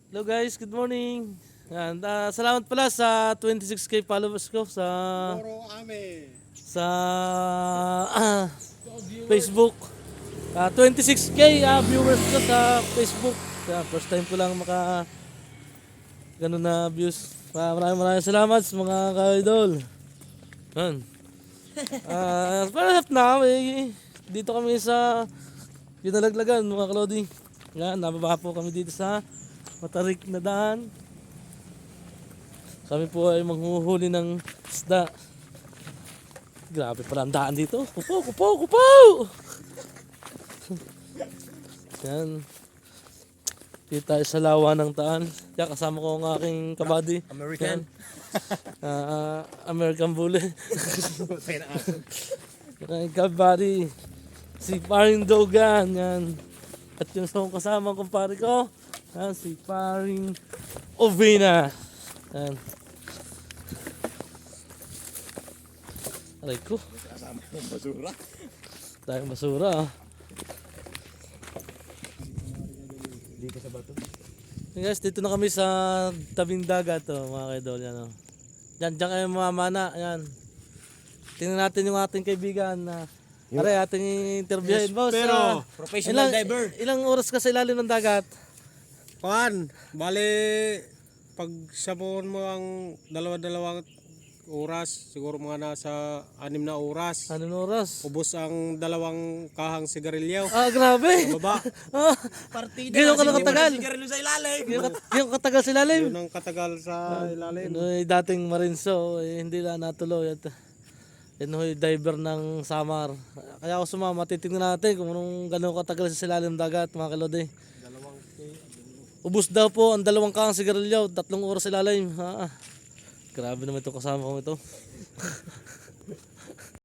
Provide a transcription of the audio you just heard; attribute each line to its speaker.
Speaker 1: Hello guys, good morning. And salamat pala sa 26k followers ko sa
Speaker 2: Moro ame.
Speaker 1: sa Facebook. 26k viewers ko sa Facebook. First time ko lang maka ganun na views. Maraming salamat sa mga ka-idol. Yan. Parang na dito kami sa Ginalaglagan mga kalodi. Yan, nababa po kami dito sa matarik na daan. Kami po ay manghuhuli ng isda. Grabe pala ang daan dito. Kupo! Yan. Dito tayo sa lawa ng daan. Kaya kasama ko ang aking kabady.
Speaker 2: American.
Speaker 1: American Bully. Aking kabady. Si Paring Dogan. Yan. At yung sa kasama kong pare ko. Yan, si Paring Ovina. Yan. Aray ko.
Speaker 2: Kasama ng basura.
Speaker 1: Tayong basura.
Speaker 2: Dito sa bato.
Speaker 1: Hey guys, dito na kami sa tabing dagat mga kaidol. Yan, oh. Diyan kayo mamamana. Yan. Tingnan natin yung ating kaibigan na aray, ating interviewin. Boss,
Speaker 2: pero professional diver.
Speaker 1: Ilang oras ka sa ilalim ng dagat?
Speaker 2: Bale, pag sabon mo ang dalawa-dalawang oras, siguro mga nasa 6 na oras.
Speaker 1: Anong oras?
Speaker 2: Ubos ang dalawang kahang sigarilyo.
Speaker 1: Grabe!
Speaker 2: Baba.
Speaker 1: Partida. Gano'n ka lang katagal?
Speaker 2: Sigarilyo sa ilalim.
Speaker 1: Gano'n katagal sa ilalim?
Speaker 2: Yun ang katagal sa ilalim.
Speaker 1: Dating marinso, hindi lang natuloy. At yan ho, diver ng Samar. Kaya ako sumama, titignan natin kung anong gano'ng katagal sa ilalim dagat mga kalode. Ubus daw po ang dalawang kahang sigarilyo, 3 oras sa ilalim. Grabe naman ito kasama ko ito.